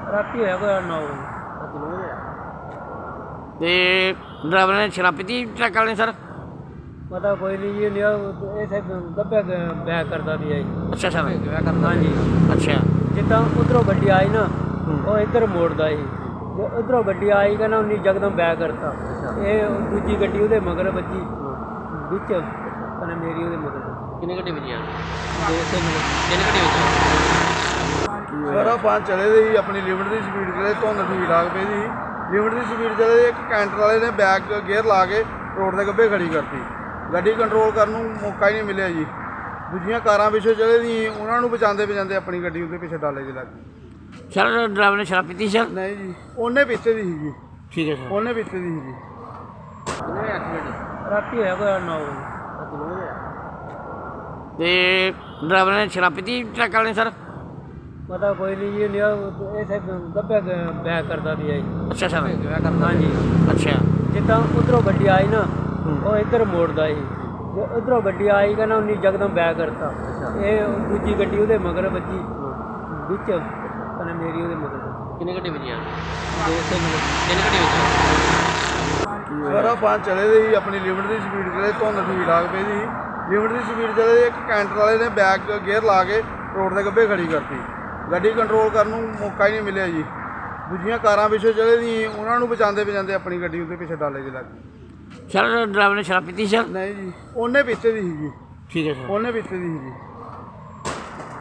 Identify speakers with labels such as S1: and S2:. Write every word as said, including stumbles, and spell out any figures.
S1: ਰਾਤੀ ਹੋਇਆ ਕੋਈ ਨੌ ਵਜੇ।
S2: ਤੇ ਡਰਾਈਵਰ ਨੇ ਸ਼ਰਾਬ ਪੀਤੀ ਟਰੱਕ ਵਾਲੇ ਨੇ ਸਰ?
S1: ਪਤਾ ਕੋਈ ਨਹੀਂ ਜੀ, ਲਿਆ ਇਸੇ ਦੱਬਿਆ ਬੈਕ ਕਰਦਾ ਵੀ ਹੈ ਜੀ।
S2: ਅੱਛਾ ਸਰ,
S1: ਹਾਂਜੀ,
S2: ਅੱਛਾ
S1: ਜਿੱਦਾਂ ਉਧਰੋਂ ਗੱਡੀ ਆਈ ਨਾ ਉਹ ਇੱਧਰ ਮੋੜਦਾ ਸੀ, ਜੇ ਉਧਰੋਂ ਗੱਡੀ ਆਈ ਕਹਿੰਦਾ ਉਹਨੇ ਯਕਦਮ ਬੈਕ ਕਰਤਾ। ਇਹ ਦੂਜੀ ਗੱਡੀ ਉਹਦੇ ਮਗਰ ਵੱਜੀ ਵਿੱਚ, ਕਹਿੰਦਾ ਮੇਰੀ ਉਹਦੇ ਮਗਰ।
S2: ਕਿੰਨੇ ਘੰਟੇ ਵਜੇ ਆ?
S1: ਦੋ ਤਿੰਨ
S2: ਤਿੰਨ ਘੰਟੇ ਵਜੇ।
S3: ਸਾਰਾ ਪੰਜ ਚਲੇ ਦੇ ਸੀ, ਆਪਣੀ ਲਿਮਟ ਦੀ ਸਪੀਡ ਚਲੇ, ਧੁੰਦ ਠੀਕ ਠਾਕ ਪਈ ਸੀ, ਲਿਮਟ ਦੀ ਸਪੀਡ ਚਲੇ। ਇੱਕ ਕੈਂਟਰ ਵਾਲੇ ਨੇ ਬੈਕ ਗੇਅਰ ਲਾ ਕੇ ਰੋਡ ਦੇ ਗੱਬੇ ਖੜੀ ਕਰਤੀ, ਗੱਡੀ ਕੰਟਰੋਲ ਕਰਨ ਨੂੰ ਮੌਕਾ ਹੀ ਨਹੀਂ ਮਿਲਿਆ ਜੀ। ਦੂਜੀਆਂ ਕਾਰਾਂ ਪਿੱਛੇ ਚਲੇ ਦੀ, ਉਹਨਾਂ ਨੂੰ ਬਚਾਉਂਦੇ ਬਚਾਉਂਦੇ ਆਪਣੀ ਗੱਡੀ ਉਹਦੇ ਪਿੱਛੇ ਡਾਲੇ 'ਚ ਲੱਗ ਗਈ।
S2: ਸਰ ਡਰਾਈਵਰ ਨੇ ਸ਼ਰਾਬ ਪੀਤੀ ਸਰ?
S3: ਨਹੀਂ ਜੀ, ਉਹਨੇ ਪਿੱਛੇ ਦੀ ਸੀ ਜੀ।
S2: ਠੀਕ ਹੈ ਸਰ।
S3: ਉਹਨੇ ਪਿੱਛੇ ਦੀ ਸੀ ਜੀ।
S2: ਕਿੰਨੇ ਵਜੇ ਐਕਸੀਡੈਂਟ?
S1: ਰਾਤੀ ਹੋਇਆ ਕੋਈ ਨੌ ਵਜੇ।
S2: ਤੇ ਡਰਾਈਵਰ ਨੇ ਸ਼ਰਾਬ ਪੀਤੀ ਟਰੱਕ ਵਾਲੇ ਨੇ ਸਰ?
S1: ਪਤਾ ਕੋਈ ਨਹੀਂ ਜੀ, ਲਿਆ ਇਸੇ ਦੱਬਿਆ ਬੈਕ ਕਰਦਾ ਵੀ ਹੈ ਜੀ।
S2: ਅੱਛਾ ਸਰ,
S1: ਹਾਂਜੀ,
S2: ਅੱਛਾ
S1: ਜਿੱਦਾਂ ਉਧਰੋਂ ਗੱਡੀ ਆਈ ਨਾ ਉਹ ਇੱਧਰ ਮੋੜਦਾ ਸੀ, ਜੇ ਉਧਰੋਂ ਗੱਡੀ ਆਈ ਕਹਿੰਦਾ ਉਹਨੇ ਯਕਦਮ ਬੈਕ ਕਰਤਾ। ਇਹ ਦੂਜੀ ਗੱਡੀ ਉਹਦੇ ਮਗਰ ਵੱਜੀ ਵਿੱਚ, ਕਹਿੰਦਾ ਮੇਰੀ ਉਹਦੇ ਮਗਰ।
S2: ਕਿੰਨੇ ਘੰਟੇ ਵਜੇ ਆ?
S1: ਦੋ ਤਿੰਨ
S2: ਤਿੰਨ ਘੰਟੇ ਵਜੇ।
S3: ਸਾਰਾ ਪੰਜ ਚਲੇ ਦੇ ਸੀ, ਆਪਣੀ ਲਿਮਟ ਦੀ ਸਪੀਡ ਚਲੇ, ਧੁੰਦ ਠੀਕ ਠਾਕ ਪਈ ਸੀ, ਲਿਮਟ ਦੀ ਸਪੀਡ ਚਲੇ। ਇੱਕ ਕੈਂਟਰ ਵਾਲੇ ਨੇ ਬੈਕ ਗੇਅਰ ਲਾ ਕੇ ਰੋਡ ਦੇ ਗੱਬੇ ਖੜੀ ਕਰਤੀ, ਗੱਡੀ ਕੰਟਰੋਲ ਕਰਨ ਨੂੰ ਮੌਕਾ ਹੀ ਨਹੀਂ ਮਿਲਿਆ ਜੀ। ਦੂਜੀਆਂ ਕਾਰਾਂ ਪਿੱਛੇ ਚਲੇ ਦੀ, ਉਹਨਾਂ ਨੂੰ ਬਚਾਉਂਦੇ ਬਚਾਉਂਦੇ ਆਪਣੀ ਗੱਡੀ ਉਹਦੇ ਪਿੱਛੇ ਡਾਲੇ 'ਚ ਲੱਗ ਗਈ।
S2: ਸਰ ਡਰਾਈਵਰ ਨੇ ਸ਼ਰਾਬ ਪੀਤੀ ਸਰ?
S3: ਨਹੀਂ ਜੀ, ਉਹਨੇ ਪਿੱਛੇ ਦੀ ਸੀ ਜੀ।
S2: ਠੀਕ ਹੈ ਸਰ।
S3: ਉਹਨੇ ਪਿੱਛੇ ਦੀ ਸੀ ਜੀ।